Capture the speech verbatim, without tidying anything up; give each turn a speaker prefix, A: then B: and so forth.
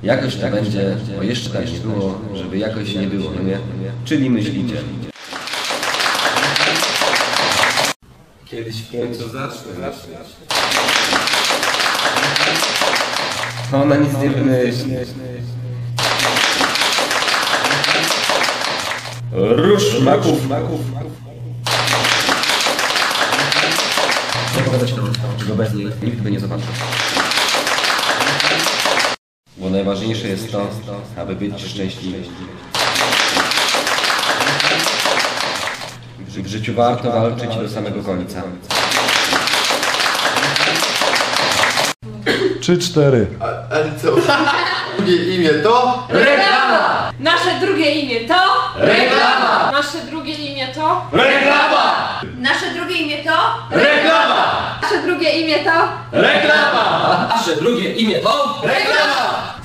A: Jakoś tak będzie, bo jeszcze tak nie było, żeby jakoś nie było, no nie? Czyli myślicie. Kiedyś w końcu zacznę. Ona nic nie wymyśli. Róż maków, maków. Chcę pokazać to, czego bez niej nikt by nie zobaczył. Bo najważniejsze jest to, aby być szczęśliwym. W życiu warto walczyć do samego końca.
B: Trzy, cztery.
C: A, ale co? Drugie imię to?
D: Reklama! Nasze drugie imię to?
C: Reklama!
D: Nasze drugie imię to?
C: Reklama!
D: Nasze drugie imię to?
C: Reklama!
D: Nasze drugie imię to?
C: Reklama!
A: Nasze drugie imię to?
C: Reklama!